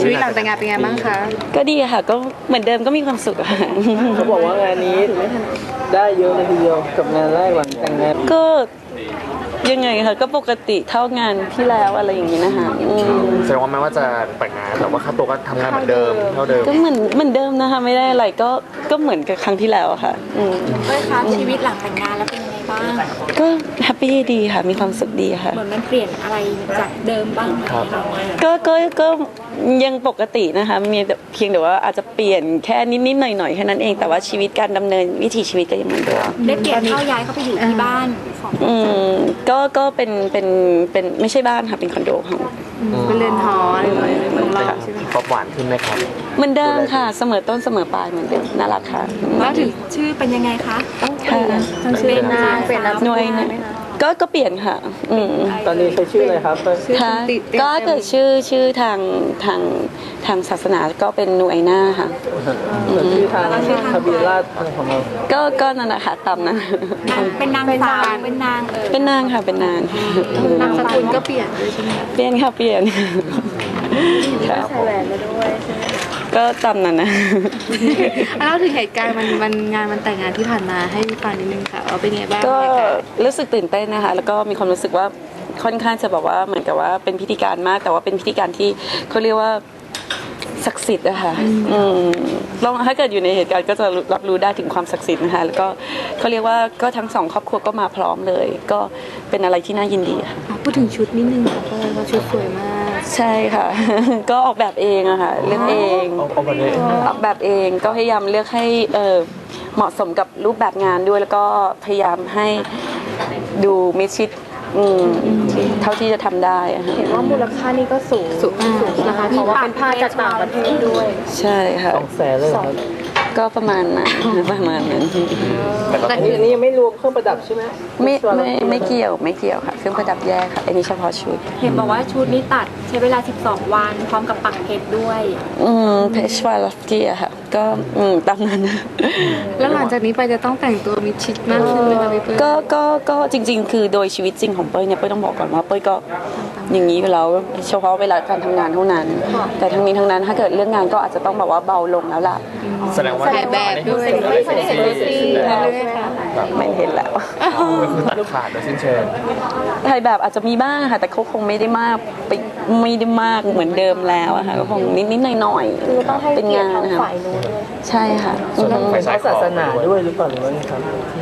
ชีวิตหลังแต่งงานเป็นไงบ้างคะก็ดีค่ะก็เหมือนเดิมก็มีความสุขค่ะเขาบอกว่างานนี้ได้เยอะเลยทีเดียวกับงานแรกหลังแต่งงานก็ยังไงค่ะก็ปกติเท่างานที่แล้วอะไรอย่างนี้นะคะแสดงว่าแม้ว่าจะแต่งงานแต่ว่าค่าตัวก็ทำงานเหมือนเดิมเท่าเดิมก็เหมือนเดิมนะคะไม่ได้อะไรก็เหมือนกับครั้งที่แล้วค่ะเอ้ยคะชีวิตหลังแต่งงานแล้วเป็นยังไงบ้างก็แฮปปี้ดีค่ะมีความสุขดีค่ะเหมือนมันเปลี่ยนอะไรจากเดิมบ้างไหมก็ยังปกตินะคะมีเพียงแต่ว่าอาจจะเปลี่ยนแค่นิดๆหน่อยๆแค่นั้นเองแต่ว่าชีวิตการดำเนินวิถีชีวิตก็ยังเหมือนเดิมได้เปลี่ยนเข้าย้ายเข้าไปอยู่ที่บ้านของก็เป็นไม่ใช่บ้านค่ะเป็นคอนโดของเป็นเรือนหออะไรของเราใช่ไหมครบหวานขึ้นไหมครับเหมือนเดิมค่ะเสมอต้นเสมอปลายเหมือนเดิมน่ารักค่ะแล้วถึงชื่อเป็นยังไงคะค่ะเป็นนางเป็นหน่วยนะก็เปลี่ยนค่ะตอนนี้ใช้ชื่ออะไรครับค่ะก็เกิดชื่อทางศาสนาก็เป็นนูไอน่าค่ะชื่อทางทะเบียนราษฎร์ของเราก็นั่นแหละค่ะตามนั้นเป็นนางสาวเป็นนางเป็นนางค่ะเป็นนางนามสกุลก็เปลี่ยนด้วยใช่ไหมเปลี่ยนค่ะเปลี่ยนใส่แหวนมาด้วยใช่ไหมก็ตามนั้นนะแล้วถึงเหตุการณ์มันงานมันแต่งงานที่ผ่านมาให้ฟังนิดนึงค่ะว่าเป็นไงบ้างก็รู้สึกตื่นเต้นนะคะแล้วก็มีความรู้สึกว่าค่อนข้างจะบอกว่าเหมือนกับว่าเป็นพิธีการมากแต่ว่าเป็นพิธีการที่เขาเรียกว่าศักดิ์สิทธิ์นะคะลองถ้าเกิดอยู่ในเหตุการณ์ก็จะรับรู้ได้ถึงความศักดิ์สิทธิ์นะคะแล้วก็เขาเรียกว่าก็ทั้งสองครอบครัวก็มาพร้อมเลยก็เป็นอะไรที่น่ายินดีค่ะพูดถึงชุดนิดนึงค่ะเพราะว่าชุดสวยมากใช่ค่ะก็ออกแบบเองอะค่ะเลือกเองออกแบบเองก็พยายามเลือกให้เหมาะสมกับรูปแบบงานด้วยแล้วก็พยายามให้ดูมิดชิดเท่าที่จะทำได้เห็นว่ามูลค่านี่ก็สูงนะคะเพราะว่าเป็นผ้าจากต่างประเทศด้วยใช่ค่ะ 200,000เลยครับก็ประมาณนั้นแต่อันนี้ยังไม่รวมเครื่องประดับใช่ไหมไม่เกี่ยวค่ะเครื่องประดับแยกค่ะอันนี้เฉพาะชุดเห็นบอกว่าชุดนี้ตัดใช้เวลา12 วันพร้อมกับปักเพชรด้วยเพชรวาลเกียค่ะก็ตามนั้นแล้วหลังจากนี้ไปจะต้องแต่งตัวมิดชิดมากขึ้นไหมคะพี่เปิ้ลก็จริงๆคือโดยชีวิตจริงของเป้ยเนี่ยเป้ยต้องบอกก่อนว่าเป้ยก็อย่างนี้อยู่แล้วเฉพาะเวลาการทำงานเท่านั้นแต่ทั้งนี้ทั้งนั้นถ้าเกิดเรื่องงานก็อาจจะต้องแบบว่าเบาลงแล้วล่ะแสดงว่าแบบด้วยไม่เคยเห็นเลยสิไม่เห็นแล้วตัดขาดโดยสิ้นเชิงถ่ายแบบอาจจะมีบ้างค่ะแต่เขาคงไม่ได้มากเหมือนเดิมแล้วอะค่ะก็คงนิดๆหน่อยๆเป็นงานนะคะใช่ค่ะเป็นศาสนาด้วยหรือเปล่าหรือว่าไงครับ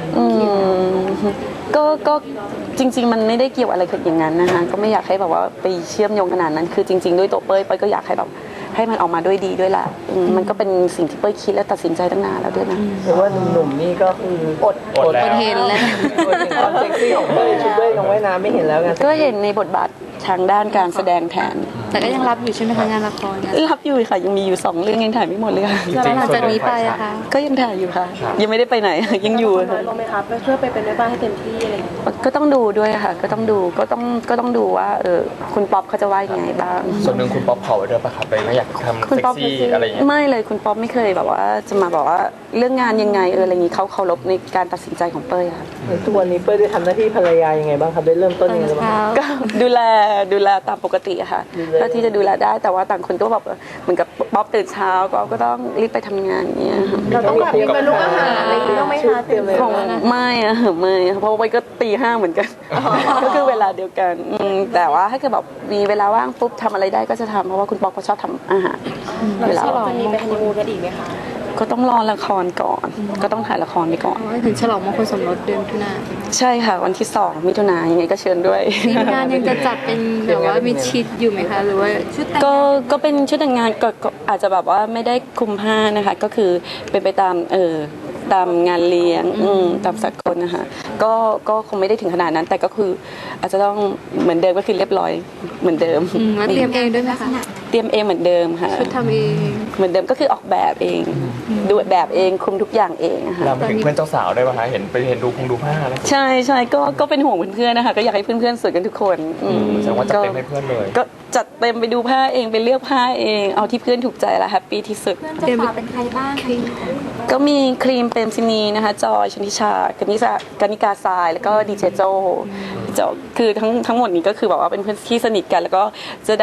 ก็จริงๆมันไม่ได้เกี่ยวอะไรกับอย่างนั้นนะคะก็ไม่อยากให้แบบว่าไปเชื่อมโยงขนาดนั้นคือจริงๆด้วยตัวเป้ยก็อยากให้แบบให้มันออกมาด้วยดีด้วยแหละมันก็เป็นสิ่งที่เป้ยคิดและตัดสินใจตั้งนานแล้วด้วยนะหรือว่าหนุ่มนี่ก็คืออดเห็นแล้วความเซ็กซี่ของเป้ยชุดเป้ยลงว่ายน้ำไม่เห็นแล้วไงก็เห็นในบทบาททางด้านการแสดงแทนแต่ก็ยังรับอยู่ใช่ไหมคะงานละครรับอยู่ค่ะยังมีอยู่2 เรื่องยังถ่ายไม่หมดเลยค่ะแล้วหลังจากนี้ไปอะคะก็ยังถ่ายอยู่ค่ะยังไม่ได้ไปไหนยังอยู่ลงไหมคะเพื่อไปเป็นแม่บ้านให้เต็มที่อะไรก็ต้องดูด้วยค่ะก็ต้องดูว่าคุณป๊อปเขาจะว่ายังไงบ้างส่วนหนึ่งคุณป๊อปขอไว้ด้วยป่ะครับเลยไม่อยากทำเซ็กซี่อะไรอย่างเงี้ยไม่เลยคุณป๊อปไม่เคยแบบว่าจะมาบอกว่าเรื่องงานยังไงอะไรอย่างงี้เขาเคารพในการตัดสินใจของเป้ยค่ะทุกวันนี้เป้ยได้ทำหน้าที่ภรรยายังไงบ้างครับได้เริ่มต้นยังไงบ้างก็ดูแลตามปกติค่ะก็ที่จะดูแลได้แต่ว่าต่างคนก็แบบเหมือนกับป๊อปตื่นเช้าก็ต้องรีบไปทำงานอย่างเงี้ยเราต้องแบบมีเมนูอาหารอะไรต้องไม่คะเต็มเลยไม่เพราะว่าก็ตี 5เหมือนกันก็คือเวลาเดียวกันแต่ว่าถ้าเกิดแบบมีเวลาว่างปุ๊บทำอะไรได้ก็จะทำเพราะว่าคุณป๊อปเขาชอบทำอาหารเวลาวันนี้ไปฮันนีมูนกันอีกไหมคะก็ต้องรอละครก่อนก็ต้องถ่ายละครไปก่อนถึงฉลองมงคลสมรสเดือนมิถุนายนใช่ค่ะวันที่2 มิถุนายนยังไงก็เชิญด้วยงานยังจะจัดเป็นแบบว่ามีชิดอยู่ไหมคะหรือว่าชุดก็เป็นชุดแต่งงานก็อาจจะแบบว่าไม่ได้คุมผ้านะคะก็คือเป็นไปตามตามงานเลี้ยงตามสากลนะคะก็คงไม่ได้ถึงขนาดนั้นแต่ก็คืออาจจะต้องเหมือนเดิมก็คือเรียบร้อยเหมือนเดิมเตรียมเองด้วยไหมคะเตรียมเองเหมือนเดิมค่ะชุดทำเองเหมือนเดิมก็คือออกแบบเองดูแบบเองคุมทุกอย่างเองค่ะเราถึงเพื่อนเจ้าสาวได้ป่ะคะเห็นดูผ้าแล้วใช่ก็เป็นห่วงเพื่อนๆนะคะก็อยากให้เพื่อนๆสวยกันทุกคนแสดงว่าจัดเต็มให้เพื่อนเลยก็จัดเต็มไปดูผ้าเองไปเลือกผ้าเองเอาที่เพื่อนถูกใจและแฮปปี้ที่สุดเพื่อนเจ้าสาวเป็นใครบ้างก็มีครีมเปรมซินีนะคะจอยชนิชากนิกาทรายแล้วก็ดีเจโจคือทั้งหมดนี้ก็คือแบบว่าเป็นเพื่อนที่สนิทกันแล้วก็จะได้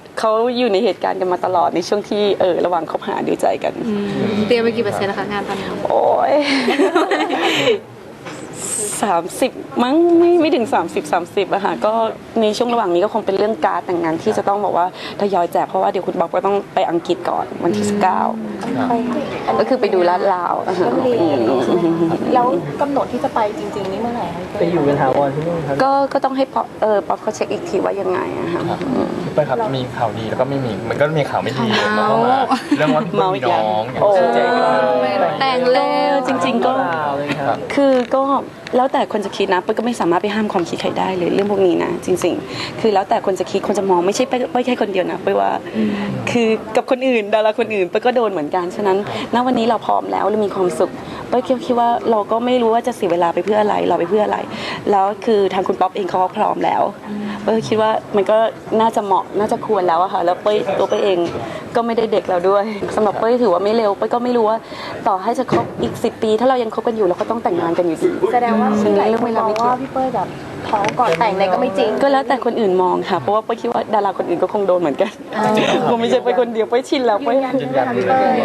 เขาอยู่ในเหตุการณ์กันมาตลอดในช่วงที่ระหว่างคบหาดูใจกันเตรียมไปกี่เปอร์เซ็นต์แล้วคะงานตอนนี้โอ้ย 30มั้งไม่ถึง30อะค่ะก็ในช่วงระหว่างนี้ก็คงเป็นเรื่องการดแต่งงานที่จะต้องบอกว่าทยอยแจกเพราะว่าเดี๋ยวคุณบ๊อบก็ต้องไปอังกฤษก่อนวันที่19ก็คือไปดูลาดลาวอะค่ะแล้วกำหนดที่จะไปจริงๆนี่เมื่อไหร่คะไปอยู่เป็นถาวรที่นู่นครับก็ต้องให้ป๊อปเขาเช็คอีกทีว่ายังไงอะค่ะพี่เป้ยครับมีข่าวดีแล้วก็ไม่มีมันก็มีข่าวไม่ดีแล้วก็มาเรื่องว่าพี่เป้ยมีน้องอย่างโอ้ชัดเจนแต่งเร็วจริงๆก็เลยครับคือก็แล้วแต่คนจะคิดนะเป้ยก็ไม่สามารถไปห้ามความคิดใครได้เลยเรื่องพวกนี้นะจริงๆคือแล้วแต่คนจะคิดคนจะมองไม่ใช่เป้ยแค่คนเดียวนะเป้ยว่าคือกับคนอื่นดาราคนอื่นเป้ยก็โดนเหมือนกันฉะนั้นณวันนี้เราพร้อมแล้วเรามีความสุขเป้ยคิดว่าเราก็ไม่รู้ว่าจะเสียเวลาไปเพื่ออะไรเราไปเพื่ออะไร แล้วคือทางคุณป๊อปเองเขาก็พร้อมแล้วเป้ยคิดว่ามันก็น่าจะเหมาะน่าจะควรแล้วอะค่ะแล้วตัวเป้ยเองก็ไม่ได้เด็กแล้วด้วยสำหรับเป้ยถือว่าไม่เร็วเป้ยก็ไม่รู้ว่าต่อให้จะคบอีก10 ปีถ้าเรายังคบกันอยู่เราก็ต้องแต่งงานกันอยู่ดีแสดงว่ามีหลายคนมองว่าพี่เป้ยแบบท้องก่อนแต่งอะไรก็ไม่จริงก็แล้วแต่คนอื่นมองค่ะเพราะว่าเป้ยคิดว่าดาราคนอื่นก็คงโดนเหมือนกันผมไม่ใช่เป้ยคนเดียวเป้ยชินแล้วเป้ยยืนยันเลย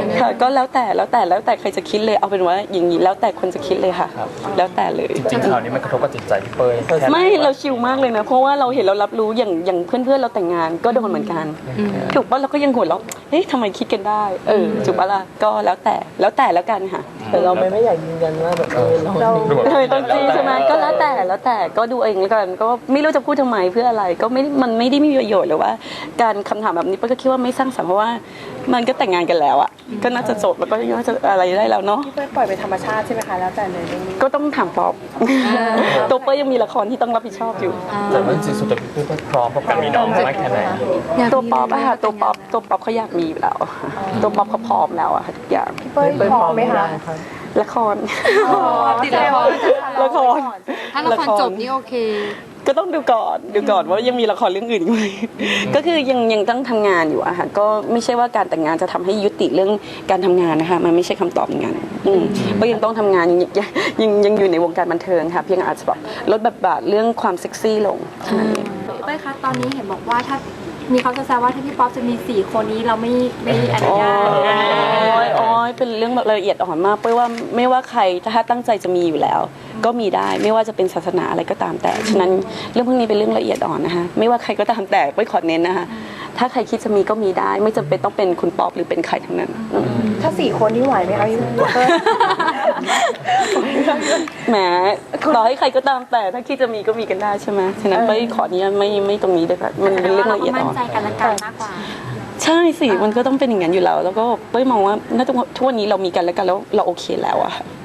ค่ะก็แล้วแต่ใครจะคิดเลยเอาเป็นว่าอย่างนี้แล้วแต่คนจะคิดเลยค่ะ แล้วแต่เลยจริงๆข่าวนี้มันกระทบกับจิตใจพี่เป้ยแค่ไหนไม่เราชิลมากเลยนะเพราะว่าเราเห็นเรารับรู้อย่างเพื่อนเราแต่งงานก็โดนเหมือนกันถูกป่ะเราก็ยังหัวเราะเฮ้ยทำไมคิดกันได้ถูกป่ะล่ะก็แล้วแต่แล้วกันค่ะแต่เราไม่อยากยืนยันว่าแบบเราเลยต้องจี้ใช่ไหมก็แล้วแต่ก็ดูเองแล้วกันก็ไม่รู้จะพูดทำไมเพื่ออะไรก็มันไม่ได้มีประโยชน์หรือว่า การคำถามแบบนี้เป้ยก็คิดว่าไม่สร้างสรรค์เพราะว่ามันก็แต่งงานกันแล้วอ่ะก็น่าจะจบแล้วก็น่าจะอะไรได้แล้วเนาะพี่เป้ยปล่อยเป็นธรรมชาติใช่ไหมคะแล้วแต่เลยเรื่องนี้ก็ต้องถามป๊อปตัวเป้ยยังมีละครที่ต้องรับผิดชอบอยู่แต่ว่าจริงๆสุดท้ายพี่เป้ยพร้อมกับการมีน้องมากแค่ไหนตัวป๊อปอะค่ะตัวป๊อปเขาอยากมีอยู่แล้วตัวป๊อปเขาพร้อมแล้วอะค่ะทุกอย่างพี่เป้ยพร้อมไหมคะละครติดละครละครถ้าละครจบนี่โอเคก็ต้องดูก่อนว่ายังมีละครเรื่องอื่นอีกไหมก็คือยังต้องทำงานอยู่อะค่ะก็ไม่ใช่ว่าการแต่งงานจะทำให้ยุติเรื่องการทำงานนะคะมันไม่ใช่คำตอบงานก็ยังต้องทำงานยังอยู่ในวงการบันเทิงค่ะเพียงอาจจะแบบลดบทเรื่องความเซ็กซี่ลงเท่านั้นเองเป้ยคะตอนนี้เห็นบอกว่าถ้ามีเขาจะแซวว่าถ้าพี่ป๊อปจะมี4 คนนี้เราไม่อนุญาตโอ้ยเป็นเรื่องแบบละเอียดอ่อนมากเป้ยว่าไม่ว่าใครถ้าตั้งใจจะมีอยู่แล้ว ก็มีได้ไม่ว่าจะเป็นศาสนาอะไรก็ตามแต่ฉะนั้นเรื่องพวกนี้เป็นเรื่องละเอียดอ่อนนะคะไม่ว่าใครก็ตามแต่เป้ยขอเน้นนะคะถ้าใครคิดจะมีก็มีได้ไม่จำเป็นต้องเป็นคุณป๊อปหรือเป็นใครทั้งนั้นถ้า4 คนนี่ไหวไหมคะพี่เป้ยแหมต่อให้ใครก็ตามแต่ถ้าคิดจะมีก็มีกันได้ใช่ไหมฉะนั้นเป้ยขอนี้ไม่ตรงนี้เลยค่ะมันเป็นเรื่องละเอียดมั่อ่นอนใจกันและกันมากกว่าใช่สิมันก็ต้องเป็นอย่างนั้นอยู่แล้วแล้วก็เป้ยมองว่าณทุกวันนี้เรามีกันและกันแล้วเราโอเคแล้วอะ